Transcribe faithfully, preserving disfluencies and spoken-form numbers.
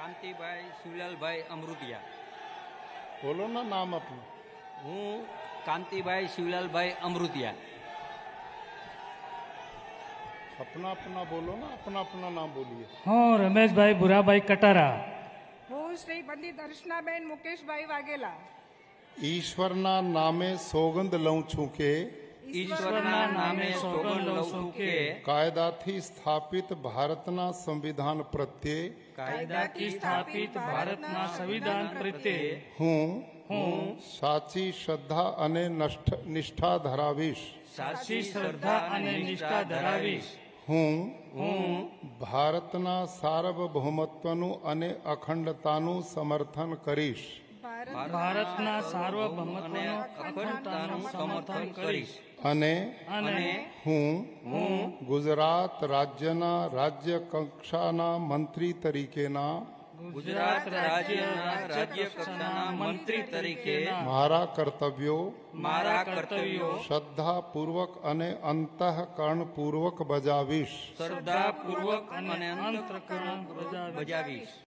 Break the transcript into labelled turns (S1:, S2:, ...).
S1: कांतिभाई शिवलालभाई अमृतिया।
S2: बोलो ना नाम अपना।
S1: हूँ कांतिभाई शिवलालभाई अमृतिया।
S2: अपना अपना बोलो ना, अपना अपना नाम बोलिए।
S3: હું રમેશભાઈ ભુરાભાઈ કટારા.
S4: હું શ્રી પંડિત દર્શનાબેન મુકેશભાઈ વાઘેલા
S2: ઈશ્વરના નામે સોગંદ લઉં છું કે
S1: ઈશ્વરના નામે સોગંદ લઉં છું કે
S2: કાયદાથી સ્થાપિત ભારતના સંવિધાન પ્રત્યે
S3: કાયદાથી સ્થાપિત ભારતના સંવિધાન પ્રત્યે
S2: હું
S3: હું
S2: સાચી શ્રદ્ધા અને નષ્ઠ- નિષ્ઠા ધરાવીશ.
S3: સાચી શ્રદ્ધા અને નિષ્ઠા ધરાવીશ.
S2: હું
S3: હું
S2: ભારતના સાર્વભૌમત્વનું અને અખંડતાનું સમર્થન કરીશ.
S3: ભારતના સાર્વભૌમત્વનું અખંડતાનું સમર્થન કરીશ.
S2: અને
S3: અને
S2: હું
S3: હું
S2: ગુજરાત રાજ્યના રાજ્ય કક્ષાના મંત્રી તરીકેના
S3: ગુજરાત રાજ્યના રાજ્ય કક્ષાના મંત્રી તરીકે
S2: મારા કર્તવ્યો
S3: મારા કર્તવ્યો
S2: શ્રદ્ધાપૂર્વક અને અંતઃકરણપૂર્વક બજાવીશ.
S3: શ્રદ્ધાપૂર્વક અને અંતઃકરણ બજાવીશ.